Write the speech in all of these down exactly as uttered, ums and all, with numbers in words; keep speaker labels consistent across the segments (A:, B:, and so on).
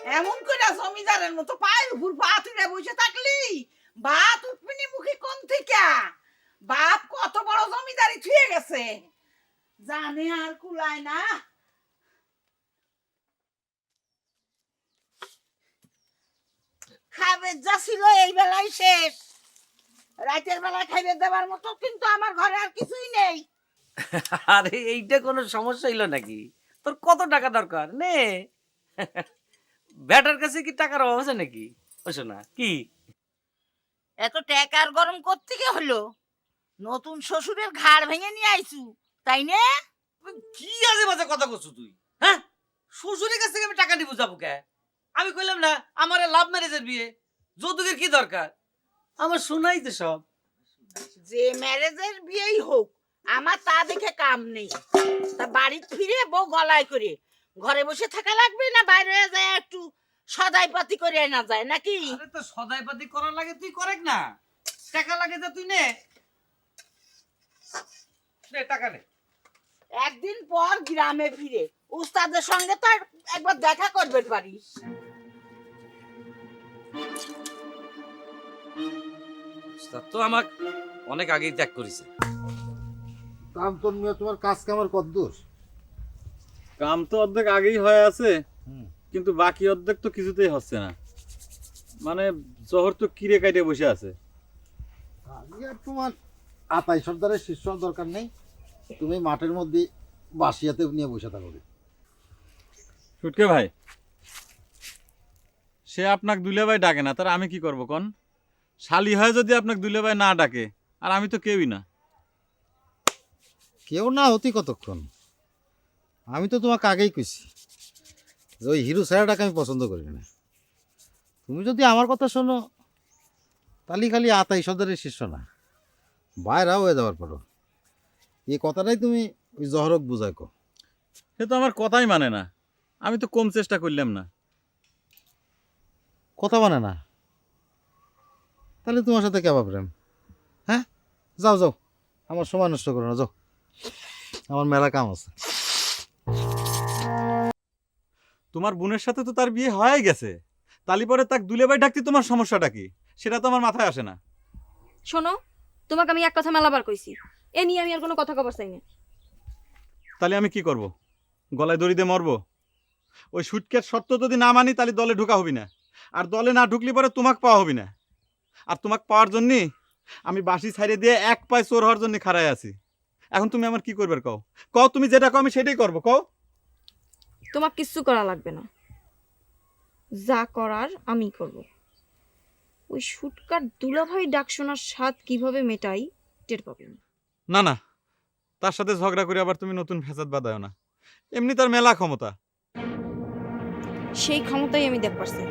A: এমন করে জমিদারের মতো পায়ের উপর পা তুলে বসে থাকলি ভাত উঠবিনি মুখে কোন থেকে? বাপ কত বড় জমিদারি ছুঁয়ে গেছে, জানে আর কুলায় না। খাবে যা ছিল এই বেলায় শেষ, রাতের বেলায় খাইবে দেবার মতো কিন্তু আমার ঘরে আর কিছুই নেই।
B: আরে এইটা কোনো সমস্যা হইলো নাকি? তোর কত টাকা দরকার নে। ব্যাটার কাছে কি টাকার অভাব আছে নাকি? ওসো না কি
A: এত টাকার গরম কোত্থেকে হলো? নতুন শ্বশুরের ঘাড় ভেঙে নিয়ে আইছু তাই না?
B: কি আজে বাজে কথা করছো তুই? হ্যাঁ, শ্বশুরের কাছ থেকে আমি টাকা নিবো যাবো কে? আমি কইলাম না আমার লাভ ম্যারেজের বিয়ে, যৌতুকের কি দরকার? আমার শোনাই তো সব।
A: যে ম্যারেজের বিয়েই হোক আমার তা দেখে কাম নেই। তা বাড়ি ফিরে বউ গলায় করে ঘরে বসে থাকা লাগবে না বাইরে যায় একটু সদাই পাতি করে না যায় নাকি?
B: আরে তো সদাই পাতি করার লাগে তুই করেক না, টাকা লাগে যা তুই নে। নে টাকা নে।
A: একদিন পর গ্রামে ফিরে উস্তাদের সঙ্গে তো আর একবার দেখা করবে পারিস।
B: উস্তাদ তো আমাক অনেক আগেই ত্যাগ করেছে।
C: কান্তন মিয়া, তোমার কাজ কামার কদ্দূর?
D: কাম তো অর্ধেক আগেই হয়ে আছে, কিন্তু বাকি অর্ধেক তো কিছুতেই হচ্ছে না। মানে জহর তো কিরে কাটে বসে আছে।
C: আমি আর তোমার আতাই সর্দারের শিষ্য দরকার নেই, তুমি মাঠের মধ্যে বাসিয়াতে নিয়ে বসে থাকো।
D: সুটকে ভাই, সে আপনাকে দুলে ভাই ডাকে না, তার আমি কি করব কোন? শালি হয় যদি আপনাকে দুলে ভাই না ডাকে, আর আমি তো কেউই না।
C: কেউ না হতি কতক্ষণ? আমি তো তোমাকে আগেই কইছি যে ওই হিরো ছাড়াটাকে আমি পছন্দ করি না। তুমি যদি আমার কথা শোনো তাহলে খালি আতাই সর্দারের শিষ্য না, বাইরাও হয়ে যাওয়ার পরও এই কথাটাই তুমি ওই জহরক বুঝাই কো।
D: সে তো আমার কথাই মানে না, আমি তো কম চেষ্টা করলাম না।
C: কথা মানে না? তাহলে তোমার সাথে কেবা প্রেম? হ্যাঁ, যাও যাও, আমার সময় নষ্ট করো না, যাও, আমার মেলা কাম আছে।
D: তোমার বোনের সাথে তো তার বিয়ে হয়ে গেছে, তালি পরে তাক দুলে ভাই ডাকতে তোমার সমস্যাটা কি? সেটা তো আমার মাথায় আসে না।
E: শোনো, তোমাকে আমি এক কথা মেলাবার কইছি, এ নিয়ে আমি আর কোনো কথা কবার চাই না।
D: তাহলে আমি কি করব? গলায় দড়ি দিয়ে মরবো? ওই সুটকের শর্ত যদি না মানি তাহলে দলে ঢোকা হবি না, আর দলে না ঢুকলি পরে তোমাকে পাওয়া হবি না। আর তোমাকে পাওয়ার জন্যই আমি বাসি ছাইড়ে দিয়ে এক পায়ে চোর হওয়ার জন্য খাড়ায় আছি। এখন তুমি আমার কি করবার কও? কও, তুমি যেটা কও আমি সেটাই করবো, কও।
E: তোমার কিচ্ছু করা লাগবে না, যা করার আমি করব। ওই শুটকার দুলাভাই ডাক শোনার স্বাদ কিভাবে মেটাই টের পাবেন।
D: না না, তার সাথে ঝগড়া করে আবার তুমি নতুন ফ্যাসাদ বাঁধাও না। এমনি তার মেলা ক্ষমতা।
E: সেই ক্ষমতাই আমি দেখবার চাই।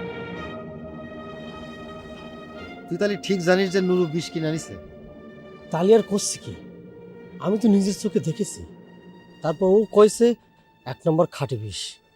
C: তুই তাহলে ঠিক জানিস যে নুরু বিষ কিনে আনিছে?
F: তাহলে আর করছি কি? আমি তো নিজের চোখে দেখেছি। তারপর ও কইছে এক নম্বর খাঁটি বিষ।